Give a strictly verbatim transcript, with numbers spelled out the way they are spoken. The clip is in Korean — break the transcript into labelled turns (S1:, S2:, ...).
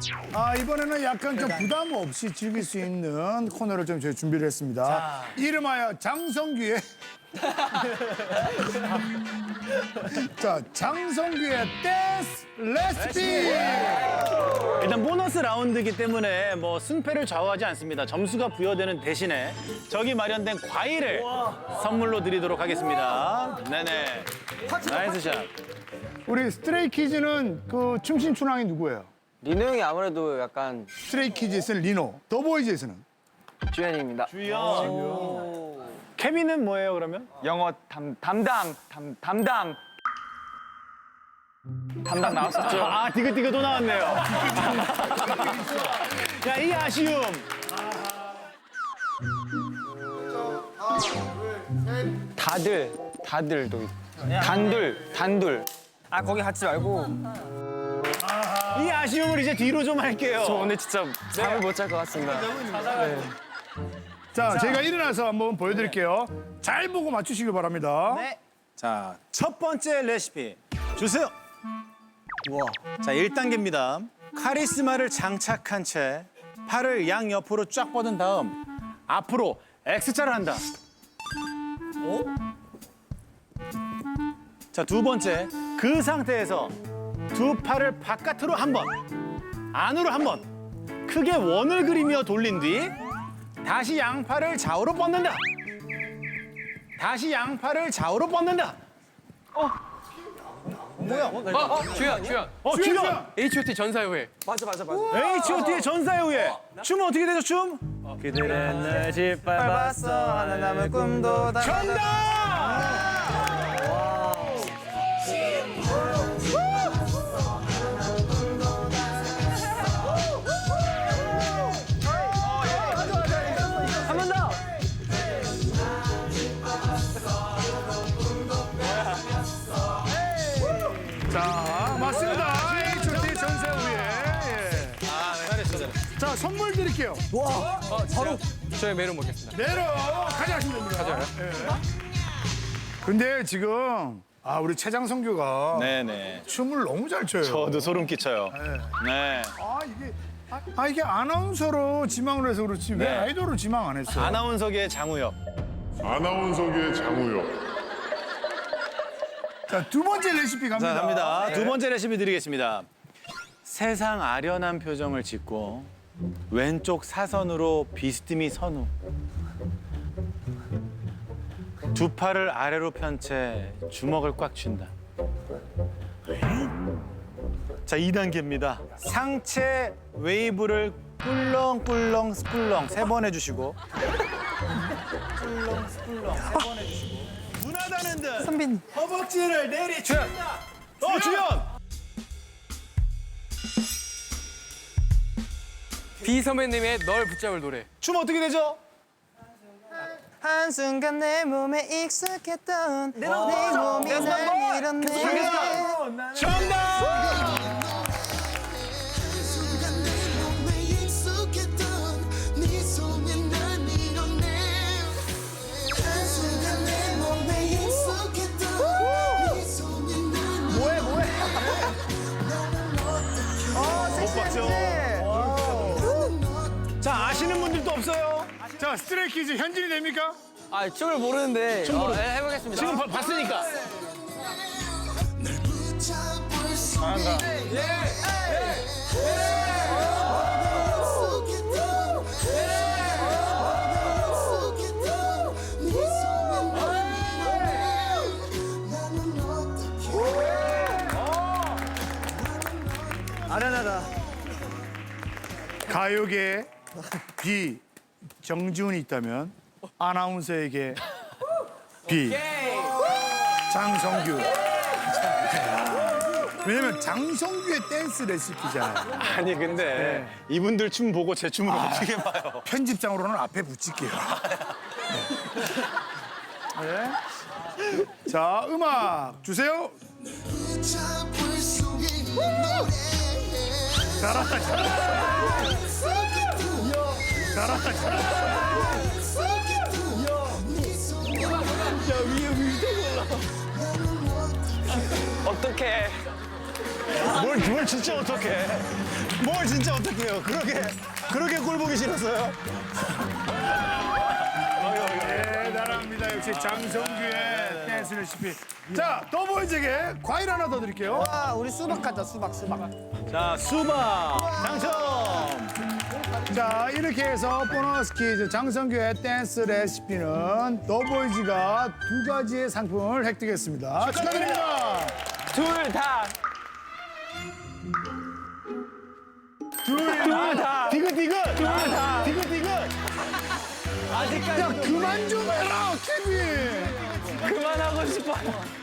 S1: 아, 이번에는 약간 좀 부담 없이 즐길 수 있는 코너를 좀 저희 준비를 했습니다.
S2: 자.
S1: 이름하여 장성규의 자, 장성규의 댄스 레시피.
S2: 일단 보너스 라운드이기 때문에 뭐 승패를 좌우하지 않습니다. 점수가 부여되는 대신에 저기 마련된 과일을 선물로 드리도록 하겠습니다. 네네. 나이스 샷.
S1: 우리 스트레이키즈는 그 춤신 춘왕이 누구예요?
S3: 리노 형이 아무래도 약간
S1: 스트레이키즈에서는 리노, 더보이즈에서는
S3: 주연입니다.
S2: 주연. 케빈은 뭐예요 그러면?
S3: 영어 담, 담당, 담, 담당. 담당 나왔었죠.
S2: 아 디귿디귿 또 나왔네요. 야 이 아쉬움.
S3: 다들, 다들도. 단둘, 단둘. 아, 거기 같이 말고.
S2: 이 아쉬움을 이제 뒤로 좀 할게요.
S3: 저 오늘 진짜 잠을 못 잘 것 같습니다. 네.
S1: 자, 제가 일어나서 한번 보여드릴게요. 잘 보고 맞추시길 바랍니다.
S2: 자, 첫 번째 레시피 주세요. 자, 일 단계입니다. 카리스마를 장착한 채 팔을 양옆으로 쫙 뻗은 다음 앞으로 X자를 한다. 자, 두 번째. 그 상태에서 두 팔을 바깥으로 한 번, 안으로 한 번, 크게 원을 그리며 돌린 뒤 다시 양팔을 좌우로 뻗는다. 다시 양팔을 좌우로 뻗는다.
S4: 어, 주연, 주연.
S2: 어, 주연!
S4: 에이치 오 티 전사후에.
S2: 에이치 오 티의 전사의 후예. 춤은 어떻게 되죠, 춤? 그들은 날 짓밟았어.
S3: 하나 남은 꿈도 다.
S2: 정답!
S3: 한 번 더.
S1: 자, 맞습니다. 에이치 오 티 전세 후에. 예.
S2: 잘했어, 잘했어.
S1: 자, 선물 드릴게요.
S4: 바로 저의 메론 먹겠습니다.
S1: 내로 가져가시면 됩니다. 가져요? 예. 근데 지금 아, 우리 최장성규가
S2: 네네.
S1: 춤을 너무 잘 춰요.
S2: 저도 소름 끼쳐요. 네.
S1: 아, 이게 아, 아, 이게 아나운서로 지망을 해서 그렇지 왜
S2: 네.
S1: 아이돌로 지망 안 했어요?
S2: 아나운서계의 장우혁.
S5: 아나운서계의 장우혁.
S1: 자, 두 번째 레시피 갑니다.
S2: 자, 갑니다.
S1: 네.
S2: 두 번째 레시피 드리겠습니다. 세상 아련한 표정을 짓고 왼쪽 사선으로 비스듬히 선 후 두 팔을 아래로 편 채 주먹을 꽉 쥔다. 자, 이 단계입니다. 상체 웨이브를 꿀렁꿀렁 스꿀렁 세 번 해주시고 꿀렁 스꿀렁 세 번 해주시고 무난하는 듯
S3: 선빈.
S2: 허벅지를 내리친다. 어, 주연!
S4: 비 선배님의 널 붙잡을 노래.
S2: 춤 어떻게 되죠?
S3: 한순간 내 몸에 익숙했던 내 몸이 날 밀었네.
S2: 정답!
S3: 뭐해 뭐해.
S2: 못 봤죠? 자, 아시는 분들도 없어요.
S1: 자, 스트레이키즈 현진이 됩니까?
S3: 아, 춤을 모르는데. 춤 모르. 네, 해보겠습니다.
S2: 지금 봐- 봤으니까.
S3: 아련하다.
S1: 가요계 B 정지훈이 있다면 아나운서에게 B 장성규. 왜냐면 장성규의 댄스 레시피잖아요.
S2: 아니, 근데 이분들 춤 보고 제 춤을 어떻게 봐요?
S1: 편집장으로는 앞에 붙일게요. 네. 자, 음악 주세요. 잘한다, 잘한다. 잘한다, 잘한다.
S3: 어떡해.
S2: 뭘 그걸 진짜 어떡해. 뭘 진짜 어떡해요. 그렇게, 그렇게 꼴 보기 싫었어요?
S1: 대단합니다. 역시 장성규의 댄스 레시피. 자, 더보이즈에게 과일 하나 더 드릴게요.
S3: 아, 우리 수박 하자, 수박, 수박.
S2: 자, 수박 당첨!
S1: 자, 이렇게 해서 보너스 퀴즈 장성규의 댄스 레시피는 더보이즈가 두 가지의 상품을 획득했습니다. 축하드립니다.
S4: 둘 다.
S1: 둘 다.
S2: 디귿디귿!
S4: 둘 다.
S2: 디귿디귿!
S1: 야, 그만 좀 해라, 케빈.
S4: 그만하고 싶어요.